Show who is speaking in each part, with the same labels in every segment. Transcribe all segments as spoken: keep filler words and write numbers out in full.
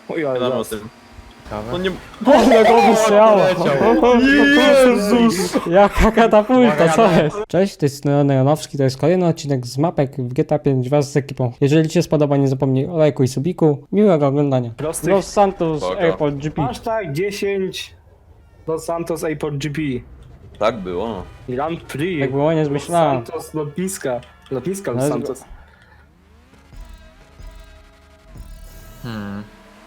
Speaker 1: Oj, ale
Speaker 2: Gadamy o
Speaker 1: zaraz.
Speaker 2: tym.
Speaker 3: Ciekawe.
Speaker 2: No nie...
Speaker 4: Kurde, go wystrzelało.
Speaker 2: Jezus!
Speaker 4: Jaka katapulta, co
Speaker 3: Uwaga,
Speaker 4: jest? Cześć, to jest Neon Janowski, to jest kolejny odcinek z mapek w G T A pięć wraz z ekipą. Jeżeli Ci się spodoba, nie zapomnij o lajku i subiku. Miłego oglądania.
Speaker 1: Prostych.
Speaker 4: Los Santos
Speaker 2: Spoko.
Speaker 4: Airport G P.
Speaker 1: Hashtag dziesięć Los Santos Airport G P.
Speaker 2: Tak było.
Speaker 1: Grand Prix.
Speaker 4: Tak było, nie
Speaker 1: Los
Speaker 4: zmyślałem.
Speaker 1: Santos lotniska. Lotniska Los
Speaker 4: Ale-
Speaker 1: Santos.
Speaker 3: Hmm.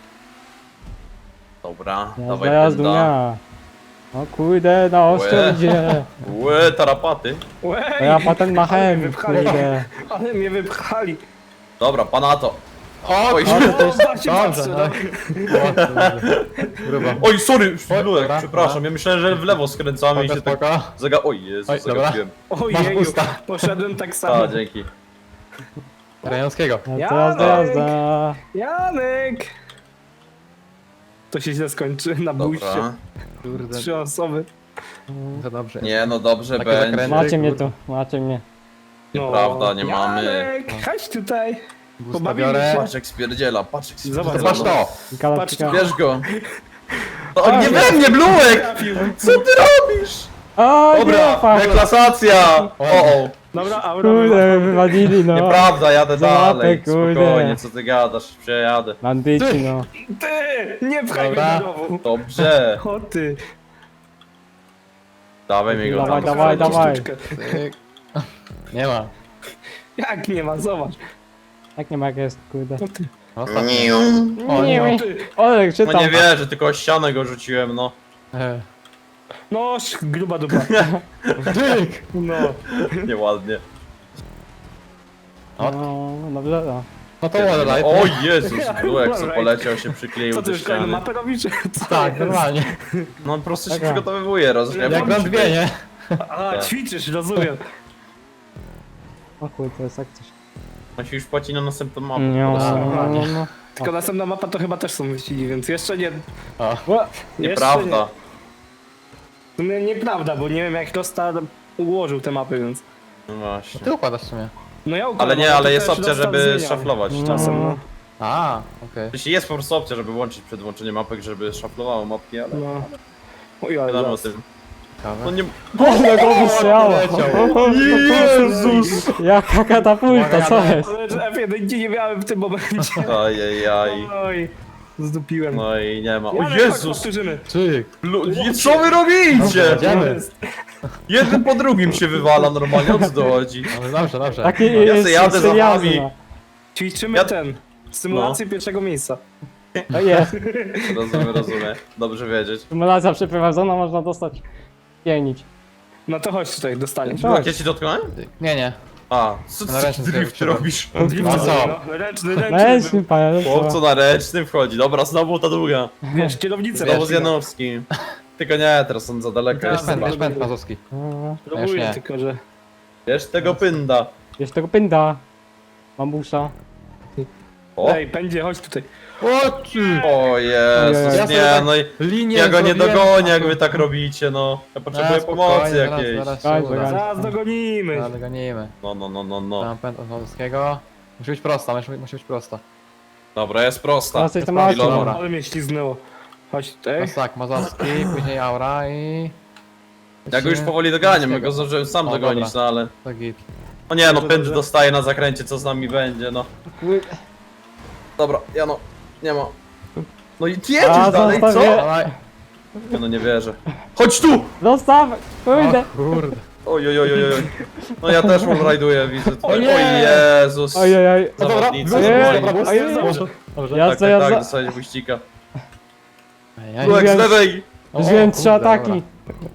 Speaker 2: Dobra,
Speaker 4: Jazda,
Speaker 2: dawaj
Speaker 4: jazdu,
Speaker 2: pęda.
Speaker 4: ja. O kurde, na ostro
Speaker 2: Łe.
Speaker 4: idzie.
Speaker 2: Łe, tarapaty.
Speaker 1: Łej,
Speaker 4: A ja patent machem,
Speaker 1: wypchali.
Speaker 4: kurde.
Speaker 1: ale mnie wypchali.
Speaker 2: Dobra, panato. Oj,
Speaker 4: O, to jest...
Speaker 1: Dobrze,
Speaker 3: Dobrze,
Speaker 1: dobrze.
Speaker 3: no. Grubo.
Speaker 2: oj, sorry, Lulek,
Speaker 3: dobra,
Speaker 2: przepraszam,
Speaker 3: dobra.
Speaker 2: ja myślałem, że w lewo skręcamy i
Speaker 3: Spoko,
Speaker 2: się tak
Speaker 3: spoko.
Speaker 2: zaga... Oj, Jezu,
Speaker 3: Oj, dobra.
Speaker 2: zagapiłem.
Speaker 1: Ojeju,
Speaker 3: usta.
Speaker 1: poszedłem tak samo.
Speaker 2: A, dzięki.
Speaker 3: Rejonskiego.
Speaker 4: Jazda, jazda, jazda.
Speaker 1: Janek! To się źle skończy na bójście.
Speaker 2: Dobra.
Speaker 3: Kurde,
Speaker 1: Trzy osoby.
Speaker 3: to dobrze.
Speaker 2: Nie, no dobrze
Speaker 3: Takie
Speaker 2: będzie.
Speaker 3: zakręty.
Speaker 4: Macie mnie tu, macie mnie.
Speaker 2: Nieprawda, nie mamy.
Speaker 1: Janek, chodź tutaj.
Speaker 3: Busta
Speaker 1: pobawimy
Speaker 3: biorę.
Speaker 1: się.
Speaker 2: Patrz jak spierdziela, patrz jak
Speaker 1: Zobacz,
Speaker 2: spierdziela.
Speaker 3: To patrz to!
Speaker 4: Galaktyka.
Speaker 2: Bierz go. O, nie we mnie, Blułek! Co ty robisz?
Speaker 4: O, nie,
Speaker 2: Dobra,
Speaker 4: Paweł.
Speaker 2: deklasacja! O, o.
Speaker 1: Dobra, Aura.
Speaker 4: Kurde, wywalili, no.
Speaker 2: Nieprawda, jadę
Speaker 4: Za mapę,
Speaker 2: dalej.
Speaker 4: kurde.
Speaker 2: Spokojnie, co ty gadasz? Przejadę.
Speaker 4: Bandyci, no.
Speaker 1: Ty! Nie pchaj mnie
Speaker 3: Dobra.
Speaker 1: do rowu.
Speaker 2: Dobrze.
Speaker 1: O ty.
Speaker 2: Dawaj mi go
Speaker 4: Dawaj,
Speaker 2: tam.
Speaker 4: dawaj, dawaj.
Speaker 1: Sztuczkę.
Speaker 3: Tyk. Nie ma.
Speaker 1: Jak nie ma, zobacz.
Speaker 4: Tak nie ma jak jest, kurde.
Speaker 1: O ty.
Speaker 3: Ostatni.
Speaker 4: O,
Speaker 3: nie.
Speaker 4: nie,
Speaker 1: Ty.
Speaker 4: Olek,
Speaker 2: No
Speaker 4: czytam.
Speaker 2: nie wierzę, tylko o ścianę go rzuciłem, no.
Speaker 3: E,
Speaker 1: No, sz- gruba dupa.
Speaker 3: Tyk!
Speaker 1: No.
Speaker 2: Nieładnie.
Speaker 4: No, dobrze, no.
Speaker 3: No to ładne light.
Speaker 2: O Jezus, Blułek co poleciał się przykleił
Speaker 1: Co ty
Speaker 2: do
Speaker 1: już kolejną
Speaker 2: ściany.
Speaker 1: mapę robisz? Co
Speaker 3: Tak,
Speaker 1: jest?
Speaker 3: normalnie.
Speaker 2: No on po prostu się
Speaker 4: Taka.
Speaker 2: przygotowywuje, rozumiem.
Speaker 3: Jak Grand dwie, nie?
Speaker 1: A,
Speaker 2: Tak.
Speaker 1: ćwiczysz, rozumiem.
Speaker 4: O kurde, to jest tak coś.
Speaker 2: On się już płaci na następną mapę.
Speaker 4: Nie,
Speaker 2: po prostu.
Speaker 4: no, no, no.
Speaker 1: Tylko następna mapa to chyba też są wyścigi, więc jeszcze nie.
Speaker 3: O.
Speaker 4: Ła,
Speaker 2: Nieprawda.
Speaker 1: Jeszcze nie. W sumie nieprawda, bo nie wiem jak Rostar ułożył te mapy, więc.
Speaker 2: No właśnie.
Speaker 3: Ty układasz w sumie.
Speaker 1: No ja układam,
Speaker 2: Ale nie,
Speaker 1: to
Speaker 2: ale jest
Speaker 1: też
Speaker 2: opcja,
Speaker 1: Rostar
Speaker 2: żeby
Speaker 1: zmieniał.
Speaker 2: szaflować.
Speaker 1: Czasem, no.
Speaker 3: A, okej.
Speaker 2: Jeśli jest po prostu opcja, żeby łączyć przed włączeniem mapek, żeby szaflowało mapki, ale
Speaker 1: No. Oj, ale
Speaker 2: wiadomo o
Speaker 1: zaraz.
Speaker 2: tym. No
Speaker 3: Ciekawe.
Speaker 2: nie...
Speaker 4: Kurde, go wystrzelało.
Speaker 2: Jezus!
Speaker 4: Jaka katapulta, co jest?
Speaker 1: Ale że F jeden nie miałem w tym momencie.
Speaker 2: Ajajaj.
Speaker 1: Oj, zdupiłem.
Speaker 2: No i nie ma. O
Speaker 1: Janek, chodź,
Speaker 2: Jezus!
Speaker 1: powtórzymy.
Speaker 3: Tyk.
Speaker 2: Lu- i co wy robicie?
Speaker 3: Idziemy.
Speaker 2: Jeden po drugim się wywala normalnie, o co to chodzi?
Speaker 3: Dobrze, dobrze, dobrze.
Speaker 4: Taki
Speaker 2: No, ja
Speaker 4: jest
Speaker 2: se jadę za
Speaker 4: styl jazdy,
Speaker 2: wami.
Speaker 4: no.
Speaker 1: Ćwiczymy
Speaker 2: Ja-
Speaker 1: ten. Symulację pierwszego miejsca.
Speaker 4: To jest.
Speaker 2: Rozumiem, rozumiem. Dobrze wiedzieć.
Speaker 4: Symulacja przeprowadzona, można dostać pienić.
Speaker 1: No to chodź tutaj, dostaniesz.
Speaker 4: Tak.
Speaker 2: Jak ja ci dotknąłem?
Speaker 3: Tyk. Nie, nie.
Speaker 2: A, co
Speaker 3: Na
Speaker 2: ty
Speaker 3: ręcznym
Speaker 2: drift
Speaker 3: sobie
Speaker 2: robisz?
Speaker 3: No co?
Speaker 1: No, ręczny, ręczny.
Speaker 4: Ręczny, panie.
Speaker 2: Chłopco na ręcznym wchodzi. Dobra, znowu ta długa.
Speaker 1: Wiesz, kierownicę.
Speaker 2: Znowu z Janowskim. Tylko nie, teraz on za daleko
Speaker 1: Teraz
Speaker 2: jest.
Speaker 3: Pęd,
Speaker 1: Dobra.
Speaker 3: masz pęd mazowski.
Speaker 4: No,
Speaker 3: Już
Speaker 1: Próbuję
Speaker 3: nie.
Speaker 1: tylko, że...
Speaker 2: Wiesz tego pynda.
Speaker 4: Jest tego pęda. Bambusa.
Speaker 2: O,
Speaker 1: Ej, pędzie, chodź tutaj.
Speaker 3: O ty!
Speaker 2: o Jezus,
Speaker 3: Ja sobie
Speaker 2: nie,
Speaker 3: tak
Speaker 2: no i
Speaker 3: Linię
Speaker 2: ja go nie
Speaker 3: zrobiłem.
Speaker 2: dogonię, jak wy tak robicie, no. Ja potrzebuję pomocy jakiejś.
Speaker 3: Zaraz,
Speaker 4: Daj,
Speaker 3: zaraz,
Speaker 4: daj.
Speaker 3: zaraz.
Speaker 1: Zaraz dogonimy.
Speaker 3: Zaraz gonimy.
Speaker 2: No, no, no, no, no.
Speaker 3: Tam pęd od mazowskiego. Musi być prosta, musi, musi być prosta.
Speaker 2: Dobra, jest prosta.
Speaker 4: Teraz coś tam
Speaker 3: Jest
Speaker 4: macie,
Speaker 3: prawda.
Speaker 4: no.
Speaker 3: Dobra.
Speaker 1: Ale mnie śliznęło. Chodź tutaj.
Speaker 3: Teraz tak, mazowski, później aura i...
Speaker 2: Ja go już powoli doganiam, ja go zdążyłem sam
Speaker 3: O,
Speaker 2: dogonić,
Speaker 3: dobra.
Speaker 2: no ale...
Speaker 3: To git.
Speaker 2: O nie, no
Speaker 1: Dobrze,
Speaker 2: pęd
Speaker 1: dobrze.
Speaker 2: dostaje na zakręcie, co z nami będzie, no. Dobra, ja no, nie ma. No i
Speaker 4: A,
Speaker 2: jedziesz dalej, co?
Speaker 4: zostawię.
Speaker 3: Dawaj.
Speaker 2: Ja no nie wierzę. Chodź tu!
Speaker 4: Zostaw! Kurde!
Speaker 3: O kurde.
Speaker 2: Oj, oj, oj, oj, oj. No ja też mam rajduję, widzę tutaj.
Speaker 4: nie!
Speaker 2: Oj Jezus.
Speaker 4: Ojej,
Speaker 3: No dobra,
Speaker 2: Zawodnicy,
Speaker 3: dobra,
Speaker 4: Nie.
Speaker 3: dobra, dobra,
Speaker 4: Ojej.
Speaker 3: dobrze, dobrze.
Speaker 4: Ja
Speaker 2: Tak,
Speaker 4: co,
Speaker 2: tak,
Speaker 4: ja
Speaker 2: tak,
Speaker 4: za...
Speaker 2: dostajesz buścika.
Speaker 3: Ej,
Speaker 2: Tułek z
Speaker 4: Wiem.
Speaker 2: lewej!
Speaker 3: o,
Speaker 4: Wziąłem
Speaker 3: kurde,
Speaker 4: trzy ataki.
Speaker 3: dobra.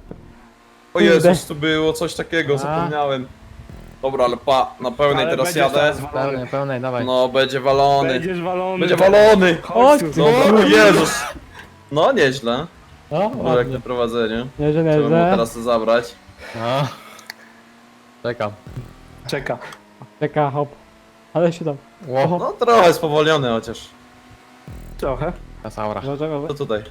Speaker 2: O
Speaker 4: Kurde.
Speaker 2: Jezus, tu było coś takiego,
Speaker 3: A.
Speaker 2: zapomniałem. Dobra, ale pa, na pełnej
Speaker 1: Ale
Speaker 2: teraz
Speaker 1: będziesz
Speaker 2: jadę.
Speaker 1: teraz walony.
Speaker 3: Pełnej, pełnej, dawaj.
Speaker 2: No, będzie walony.
Speaker 1: Będziesz walony.
Speaker 2: Będzie walony!
Speaker 1: Chodź tu.
Speaker 4: Chodź.
Speaker 2: Dobra, o Jezus! No, nieźle.
Speaker 3: No,
Speaker 2: No, jak
Speaker 3: ładnie.
Speaker 2: na prowadzeniu.
Speaker 4: Nie, że nie,
Speaker 2: Trzeba mu
Speaker 4: że...
Speaker 2: teraz to zabrać.
Speaker 3: No. Czekam.
Speaker 1: Czeka.
Speaker 4: Czeka, hop. Ale się tam.
Speaker 3: Ło,
Speaker 2: No, trochę spowolniony chociaż.
Speaker 1: Trochę.
Speaker 3: teraz aura.
Speaker 2: To tutaj.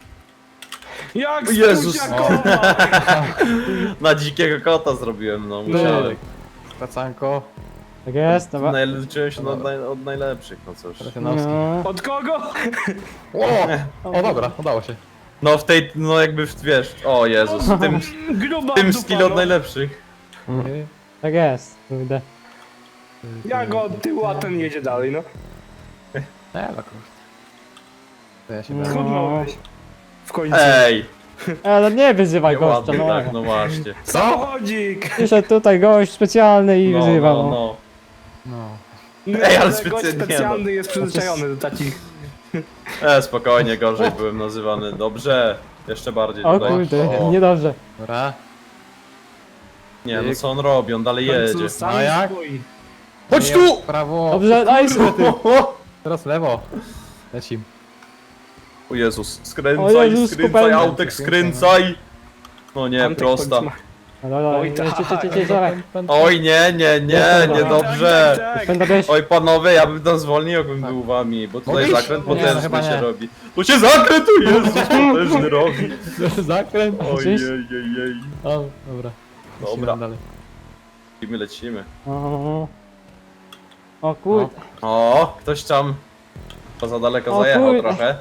Speaker 1: Jak
Speaker 2: O Jezus.
Speaker 1: spójrz,
Speaker 2: Na dzikiego kota zrobiłem, no musiałem.
Speaker 3: Tyk. Skracanko.
Speaker 4: Tak jest, dobra.
Speaker 2: Naj- Liczyłem się od, naj, od najlepszych, no cóż.
Speaker 3: Janowski.
Speaker 4: No.
Speaker 1: Od kogo?
Speaker 3: O! O dobra, udało się.
Speaker 2: No w tej, no jakby w- wiesz, o Jezus, w tym,
Speaker 1: Gruba
Speaker 2: w tym
Speaker 1: dupa,
Speaker 2: skill od
Speaker 1: no.
Speaker 2: najlepszych.
Speaker 4: Tak jest, kurde.
Speaker 1: Ja go od tyłu, a ten jedzie dalej, no.
Speaker 3: Nie, no kurde. To ja się
Speaker 4: No.
Speaker 3: będę.
Speaker 1: Schudnąłeś. W końcu.
Speaker 2: Ej,
Speaker 4: Ale nie wyzywaj gościa,
Speaker 2: ładnie
Speaker 4: no.
Speaker 2: tak, no właśnie.
Speaker 1: Samochodzik!
Speaker 4: Przyszedł tutaj gość specjalny i
Speaker 2: No,
Speaker 4: wyzywa,
Speaker 2: no,
Speaker 4: no.
Speaker 2: no.
Speaker 3: No.
Speaker 2: Ej, ale
Speaker 1: Gość
Speaker 2: specjalnie,
Speaker 1: specjalny jest przyzwyczajony do takich.
Speaker 2: E, spokojnie, gorzej byłem nazywany. Dobrze, jeszcze bardziej
Speaker 4: O
Speaker 2: tutaj.
Speaker 4: kurde,
Speaker 2: O,
Speaker 4: niedobrze.
Speaker 3: Dobra.
Speaker 2: nie, no co on robi, on dalej jedzie.
Speaker 1: Sam
Speaker 3: No jak?
Speaker 1: swój.
Speaker 2: Chodź
Speaker 3: Nie,
Speaker 2: tu!
Speaker 3: w Prawo.
Speaker 4: Dobrze, nice!
Speaker 3: Teraz w lewo. Lecim.
Speaker 2: O Jezus,
Speaker 4: O
Speaker 2: skręcaj,
Speaker 4: Jezus,
Speaker 2: skręcaj,
Speaker 4: kopalnia.
Speaker 2: autek, skręcaj! No nie,
Speaker 1: Antek
Speaker 2: prosta.
Speaker 1: końcu
Speaker 4: No dobra,
Speaker 1: Oj,
Speaker 4: Oj,
Speaker 1: tak.
Speaker 4: tak. Cie, cie, cie, dawaj.
Speaker 2: Oj nie, nie, nie,
Speaker 1: ma.
Speaker 2: niedobrze.
Speaker 1: Tak, tak, tak.
Speaker 4: Pęda bierz.
Speaker 2: Oj panowie, ja bym tam zwolnił, jakbym był wami, bo tutaj
Speaker 3: Mogę iść?
Speaker 2: zakręt
Speaker 3: Nie, no
Speaker 2: potężny
Speaker 3: chyba
Speaker 2: się
Speaker 3: nie.
Speaker 2: robi. Tu się zakręt, tu Jezus, potężny robi.
Speaker 3: Zakręt.
Speaker 2: Ojej,
Speaker 4: Gdzieś?
Speaker 2: jej, jej.
Speaker 3: O, dobra. Lecimy
Speaker 2: Dobra.
Speaker 3: dalej.
Speaker 2: Lecimy, lecimy.
Speaker 4: O, o kurde.
Speaker 2: O, ktoś tam to za daleko
Speaker 4: O
Speaker 2: zajechał
Speaker 4: kurde.
Speaker 2: trochę.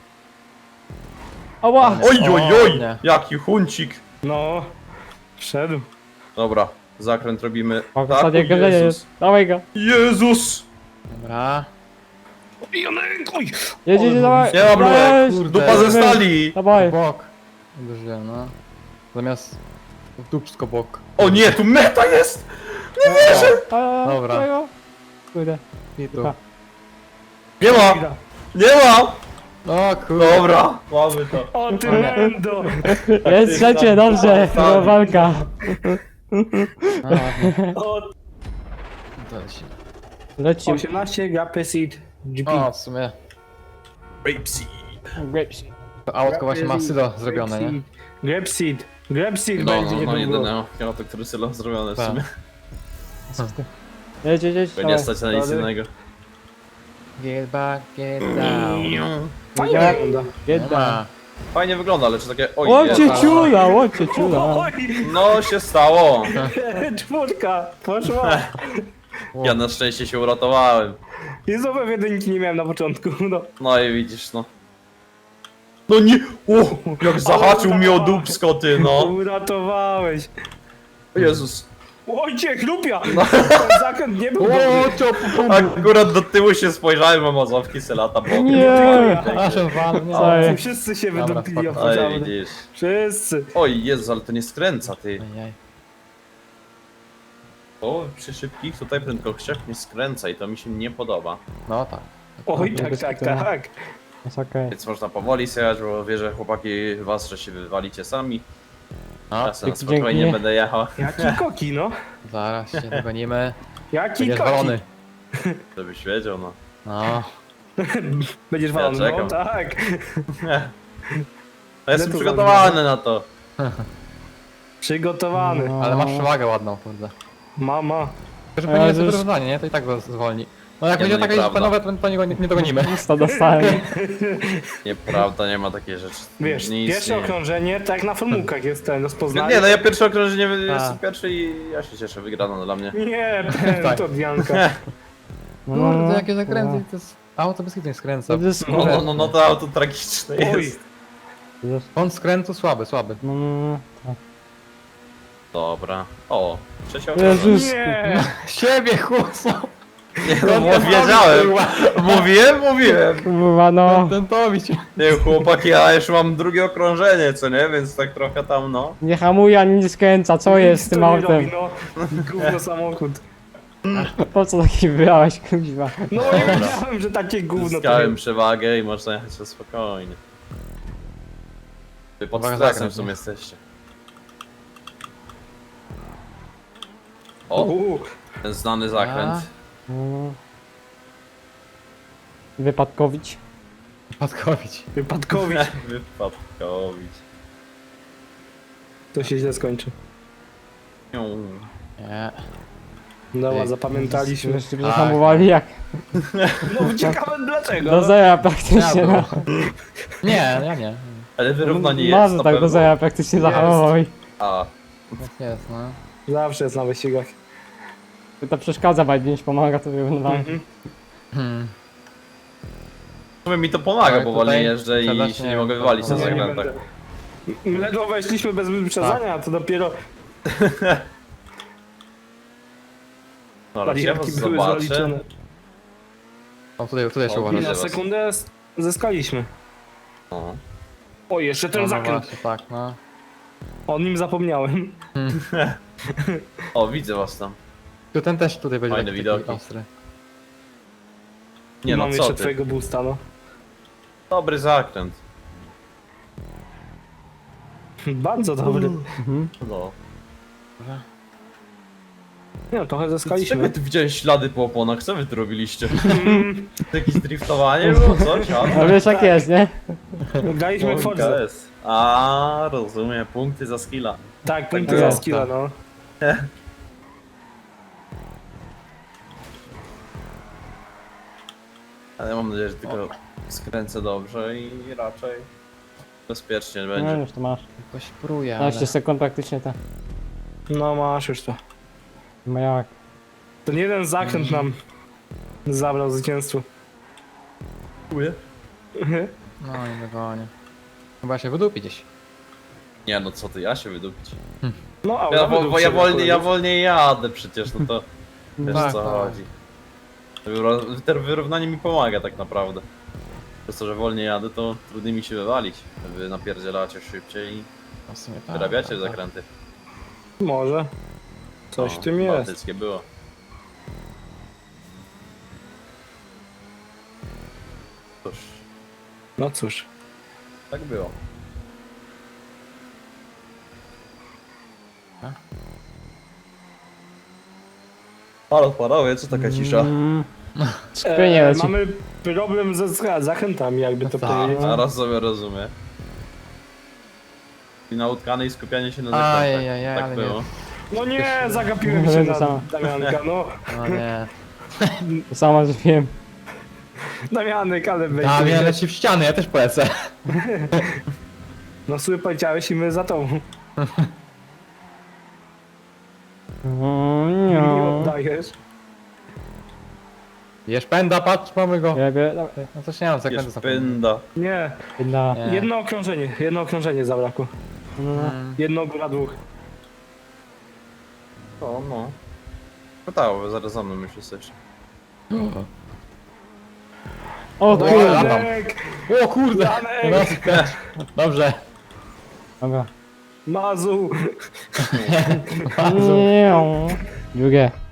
Speaker 4: Ała!
Speaker 2: Oj, oj, oj,
Speaker 3: nie.
Speaker 2: jaki huncik.
Speaker 1: No. Wszedł.
Speaker 2: Dobra, zakręt robimy.
Speaker 4: O, w
Speaker 2: Tak,
Speaker 4: zasadzie
Speaker 2: o
Speaker 4: galerie
Speaker 2: Jezus.
Speaker 4: jest. Dawaj go.
Speaker 2: Jezus!
Speaker 3: Dobra.
Speaker 1: Janek, oj!
Speaker 4: Jedź, jedź, dawaj.
Speaker 2: Nie ma
Speaker 4: Dawaj.
Speaker 2: blok,
Speaker 3: kurde.
Speaker 2: dupa ze stali.
Speaker 4: Dawaj.
Speaker 3: Bok. Uderzyłem, no. Zamiast... w dupsko bok.
Speaker 2: O nie, tu meta jest!
Speaker 4: A,
Speaker 3: Dobra.
Speaker 4: dawaj go. Kurde.
Speaker 3: I tu.
Speaker 4: Dupa.
Speaker 2: Nie ma, nie ma!
Speaker 3: O kurde.
Speaker 2: Dobra, mamy to.
Speaker 1: O ty mendo!
Speaker 4: Jest trzecie, dobrze. No, walka.
Speaker 3: A, ładnie.
Speaker 1: O,
Speaker 3: To lecimy.
Speaker 4: Lecimy.
Speaker 1: osiemnaście Grape Seed G P.
Speaker 3: O, w sumie.
Speaker 2: Rapeseed.
Speaker 4: Grapes.
Speaker 3: To autko właśnie ma sylo zrobione, nie?
Speaker 1: Grape Seed. Grape Seed
Speaker 2: No,
Speaker 1: będzie
Speaker 2: no, no,
Speaker 1: niedługo.
Speaker 2: jedyne. Ja to, który sylo zrobione w
Speaker 3: Tak.
Speaker 2: sumie.
Speaker 4: Jedź, jedź, jedź.
Speaker 2: Bo nie stać na nic
Speaker 1: Dalej.
Speaker 2: innego.
Speaker 3: Get back, get down.
Speaker 1: Fajnie wygląda.
Speaker 3: Nie
Speaker 4: Jedna.
Speaker 3: ma.
Speaker 2: Fajnie wygląda, ale czy takie... Oj,
Speaker 4: Łocie
Speaker 2: Jezu.
Speaker 4: ciula, łocie ciula.
Speaker 1: Oj!
Speaker 2: No się stało.
Speaker 1: Czwórka! Poszła!
Speaker 2: Ja na szczęście się uratowałem.
Speaker 1: Jezowe jedynki nie miałem na początku, no.
Speaker 2: No i widzisz, no. No nie! O, jak zahaczył mi o dupsko, ty, no.
Speaker 1: Uratowałeś.
Speaker 2: O Jezus.
Speaker 1: Ojciech, lupia!
Speaker 2: No.
Speaker 1: Ten zakręt nie był dobry.
Speaker 2: Akurat do tyłu się spojrzałem, a mazowki se lata bokiem.
Speaker 4: Nie.
Speaker 3: Aż on walnie.
Speaker 4: Oj.
Speaker 1: Wszyscy się
Speaker 3: Dobra,
Speaker 1: wydupili
Speaker 3: spoko.
Speaker 1: od
Speaker 2: Oj,
Speaker 1: pożaru.
Speaker 2: widzisz.
Speaker 1: Wszyscy.
Speaker 2: Oj, Jezus, ale to nie skręca, ty.
Speaker 3: Ajaj.
Speaker 2: O, przy szybkich tutaj prędkościach nie skręca i to mi się nie podoba.
Speaker 3: No tak.
Speaker 1: Oj,
Speaker 4: Nie,
Speaker 1: tak,
Speaker 4: bez
Speaker 1: tak,
Speaker 4: kitu.
Speaker 1: tak.
Speaker 4: Jest okej.
Speaker 2: Więc można powoli sejać, bo wierzę chłopaki was, że się wywalicie sami.
Speaker 3: No,
Speaker 2: Ja sobie na
Speaker 4: dzięki.
Speaker 2: spokojnie będę jechał,
Speaker 1: Jaki koki, no.
Speaker 3: zaraz się dogonimy.
Speaker 1: Jaki
Speaker 3: Będziesz
Speaker 1: koki.
Speaker 3: walony.
Speaker 2: żebyś wiedział, no.
Speaker 3: No.
Speaker 1: Będziesz
Speaker 2: Ja
Speaker 1: walony, no
Speaker 2: czekam.
Speaker 1: tak.
Speaker 2: Ja jestem
Speaker 1: to
Speaker 2: przygotowany na to.
Speaker 1: Przygotowany.
Speaker 4: No.
Speaker 3: Ale masz przewagę ładną, kurde.
Speaker 1: Mama.
Speaker 3: Tylko, że pewnie jest
Speaker 4: Jezus.
Speaker 3: wyrównanie, nie? To i tak go zwolni. No jak
Speaker 2: Nie,
Speaker 3: będzie
Speaker 2: no
Speaker 3: taka
Speaker 2: nieprawda.
Speaker 3: panowe, to, to nie, go nie, nie dogonimy.
Speaker 4: Usta dostałem.
Speaker 2: Nieprawda, nie ma takiej rzeczy.
Speaker 1: Wiesz,
Speaker 2: nie
Speaker 1: pierwsze
Speaker 2: istnieje.
Speaker 1: okrążenie, tak jak na formułkach jest ten rozpoznanie.
Speaker 2: Nie, no ja pierwsze okrążenie
Speaker 3: A.
Speaker 2: jestem pierwszy i ja się cieszę, wygrano dla mnie.
Speaker 1: Nie, ten,
Speaker 3: Tak.
Speaker 1: to Dianka.
Speaker 3: Kurde, jakie zakręty, to jest... Auto bez kitu nie skręca.
Speaker 4: To jest
Speaker 2: No, no, no, no to auto tragiczne
Speaker 1: Oj,
Speaker 2: jest.
Speaker 3: Kąt skrętu słaby, słaby.
Speaker 4: No, no, no.
Speaker 2: Dobra. O, trzecie okrążenie.
Speaker 4: Jezus.
Speaker 1: nie.
Speaker 3: Siebie chłopco!
Speaker 2: Nie, no bo wiedziałem. Mówiłem, mówiłem.
Speaker 4: Kurwa, no.
Speaker 3: Ten to mi cię.
Speaker 2: Nie, chłopaki, ja już mam drugie okrążenie, co nie? Więc tak trochę tam, no.
Speaker 4: Nie hamuje ani nie skręca, co jest z
Speaker 1: Nic
Speaker 4: tym
Speaker 1: to nie
Speaker 4: autem?
Speaker 1: robi, no. Gówno samochód.
Speaker 4: Po co taki wybrałeś, kuźwa?
Speaker 1: No ja wiedziałem, że takie gówno to
Speaker 2: Zyskałem
Speaker 1: jest.
Speaker 2: przewagę i można jechać na spokojnie. Wy pod
Speaker 3: Uwaga,
Speaker 2: stresem
Speaker 3: zakręt,
Speaker 2: w sumie
Speaker 3: nie?
Speaker 2: jesteście. O,
Speaker 1: Uuu,
Speaker 2: ten znany zakręt.
Speaker 4: No. Wypadkowić.
Speaker 3: Padkowić.
Speaker 1: wypadkowi.
Speaker 2: Wypadkowić.
Speaker 1: To się źle skończy.
Speaker 2: Niu.
Speaker 3: Nie.
Speaker 1: Dobra,
Speaker 3: Ej,
Speaker 1: zapamiętaliśmy.
Speaker 4: Żeście
Speaker 3: Tak.
Speaker 4: zahamowali jak
Speaker 1: No ciekawe dlaczego.
Speaker 4: do
Speaker 1: no.
Speaker 4: zera praktycznie,
Speaker 3: Ja
Speaker 4: no.
Speaker 3: Nie, ja nie.
Speaker 2: Ale wyrównanie jest
Speaker 4: Może
Speaker 2: na
Speaker 4: tak do
Speaker 2: pewno.
Speaker 4: zera praktycznie
Speaker 1: Jest.
Speaker 4: zahamował i...
Speaker 2: A,
Speaker 3: Tak jest, no.
Speaker 1: Zawsze jest na wyścigach.
Speaker 4: To przeszkadza bardziej niż pomaga, to wyrównywałem.
Speaker 1: Mhm.
Speaker 3: Hmm.
Speaker 2: W sumie mi to pomaga,
Speaker 3: Ale
Speaker 2: bo
Speaker 3: tutaj
Speaker 2: wolniej jeżdżę i
Speaker 3: sprzedać
Speaker 2: się
Speaker 3: nie
Speaker 2: nie
Speaker 3: wiem,
Speaker 2: mogę
Speaker 3: to-
Speaker 2: wywalić na
Speaker 3: to
Speaker 1: Nie, nie
Speaker 2: zakrętach.
Speaker 1: będę. Ledwo weszliśmy bez wyprzedzania, a to dopiero
Speaker 2: Dobra, ja was
Speaker 1: barierki były
Speaker 2: zobaczę.
Speaker 1: zaliczone.
Speaker 3: O, tutaj, tutaj się
Speaker 2: O,
Speaker 1: I
Speaker 3: uważa.
Speaker 2: widzę
Speaker 1: na
Speaker 2: was.
Speaker 1: sekundę z- zyskaliśmy.
Speaker 2: O.
Speaker 1: O, jeszcze ten
Speaker 3: No, no
Speaker 1: zakręt.
Speaker 3: właśnie, tak, no.
Speaker 1: O nim zapomniałem.
Speaker 2: o, widzę was tam.
Speaker 3: Tu ten też tutaj będzie
Speaker 2: Fajne
Speaker 3: taki
Speaker 2: widoki.
Speaker 3: ostry.
Speaker 2: Nie no,
Speaker 1: Mam
Speaker 2: co
Speaker 1: jeszcze
Speaker 2: ty?
Speaker 1: twojego boosta, no.
Speaker 2: Dobry zakręt.
Speaker 1: Bardzo dobry.
Speaker 4: Mhm.
Speaker 2: No.
Speaker 1: Nie no, trochę
Speaker 2: Czego
Speaker 1: zyskaliśmy.
Speaker 2: ty widziałeś ślady po oponach? Co wy tu robiliście? Jakieś driftowanie było? Coś? A?
Speaker 4: No wiesz jak jest, nie?
Speaker 1: Graliśmy w Forza.
Speaker 2: K S. A, rozumiem. Punkty za skilla.
Speaker 1: Tak, punkty
Speaker 4: Tak
Speaker 1: za
Speaker 4: jest,
Speaker 1: skilla,
Speaker 3: tak.
Speaker 1: no.
Speaker 2: Ale mam nadzieję, że tylko skręcę dobrze i raczej bezpiecznie
Speaker 4: No
Speaker 2: będzie.
Speaker 4: już to masz.
Speaker 3: Jakoś pruje, ale...
Speaker 4: piętnaście sekund praktycznie to.
Speaker 1: No masz już to.
Speaker 4: No jak?
Speaker 1: Ten jeden zakręt nam zabrał zwycięstwo.
Speaker 2: Dziękuję.
Speaker 3: No nie dogonię. Chyba się wydupi gdzieś.
Speaker 2: Nie no, co ty, ja się wydupić.
Speaker 1: No, a
Speaker 2: Ja, bo, bo ja, wolniej, ja wolniej jadę przecież, no to wiesz
Speaker 3: Tak,
Speaker 2: co
Speaker 3: tak.
Speaker 2: chodzi. To wyró- To wyrównanie mi pomaga tak naprawdę. Przez to, że wolniej jadę, to trudniej mi się wywalić. Wy napierdzielacie szybciej i
Speaker 3: No w sumie tak.
Speaker 2: wyrabiacie
Speaker 3: tak, tak.
Speaker 2: zakręty.
Speaker 1: Może. Coś
Speaker 2: No,
Speaker 1: w tym jest.
Speaker 2: bałtyckie było. Cóż,
Speaker 1: No cóż.
Speaker 2: tak było. Halo panowie, co taka cisza?
Speaker 4: Mm. Skupienie
Speaker 1: E,
Speaker 4: leci.
Speaker 1: mamy problem ze za- zachętami, jakby to
Speaker 3: Tak.
Speaker 1: powiedzieć.
Speaker 2: Zaraz sobie rozumiem. I na utkanej skupianie się na zakrętach.
Speaker 3: Ajajaj,
Speaker 2: Tak
Speaker 3: ale
Speaker 2: było.
Speaker 3: nie.
Speaker 1: No nie, zagapiłem
Speaker 4: No,
Speaker 1: się
Speaker 4: to
Speaker 1: na
Speaker 4: samo.
Speaker 1: Damianka, no.
Speaker 3: No nie.
Speaker 4: To samo zrobiłem.
Speaker 1: Damianek, ale weź.
Speaker 3: A mnie leci w ściany, ja też polecę.
Speaker 1: No słuchaj, powiedziałeś i my za tobą.
Speaker 4: Mm,
Speaker 1: Nie
Speaker 4: no.
Speaker 1: oddajesz.
Speaker 3: Jesz pęda, patrz, mamy go.
Speaker 4: Ja bie...
Speaker 3: No coś nie mam,
Speaker 2: Jest
Speaker 3: zakrętu zapomniałem.
Speaker 2: pynda.
Speaker 1: Nie,
Speaker 4: Na...
Speaker 3: Nie.
Speaker 1: jedno okrążenie, jedno okrążenie zabrakło.
Speaker 4: No.
Speaker 3: Mm.
Speaker 1: Jedno góra dwóch.
Speaker 2: O no. Pytało, zaraz za mną już jesteś.
Speaker 4: O
Speaker 3: Dobra.
Speaker 4: kurde.
Speaker 1: Danek!
Speaker 3: O kurde!
Speaker 1: Danek!
Speaker 3: No, dobrze.
Speaker 4: Dobra.
Speaker 1: Mazu!
Speaker 4: Nie. Drugie.